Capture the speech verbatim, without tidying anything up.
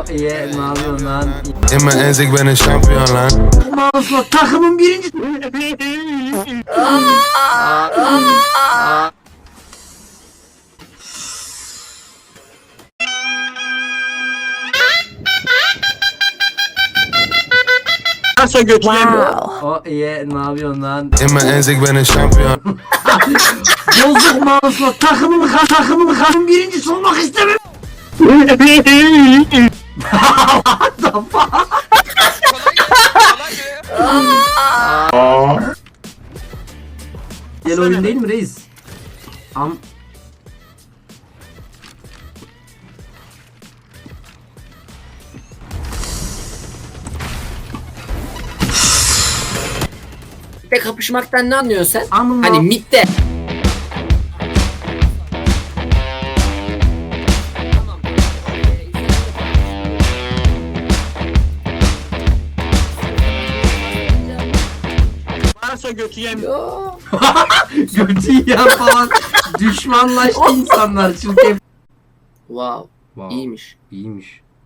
Oh yeah, ne yapıyorsun lan? Hemen Enzik benim şampiyon lan. Mağazla takımın birinci. Varsa götüreyim. Oh yeah, ne yapıyorsun lan? Hemen Enzik benim şampiyon. Bozuk mağazla takımın takımın takımın birincisi olmak istemem. What the fuck? Gel oyun değil mi reis? Am Mid'de kapışmaktan ne anlıyorsun sen? Amına- Hani mid'de. Varsa götüreyim. götü yiyen falan düşmanlaştı insanlar çünkü. Wow. Wow. İyiymiş. İyiymiş.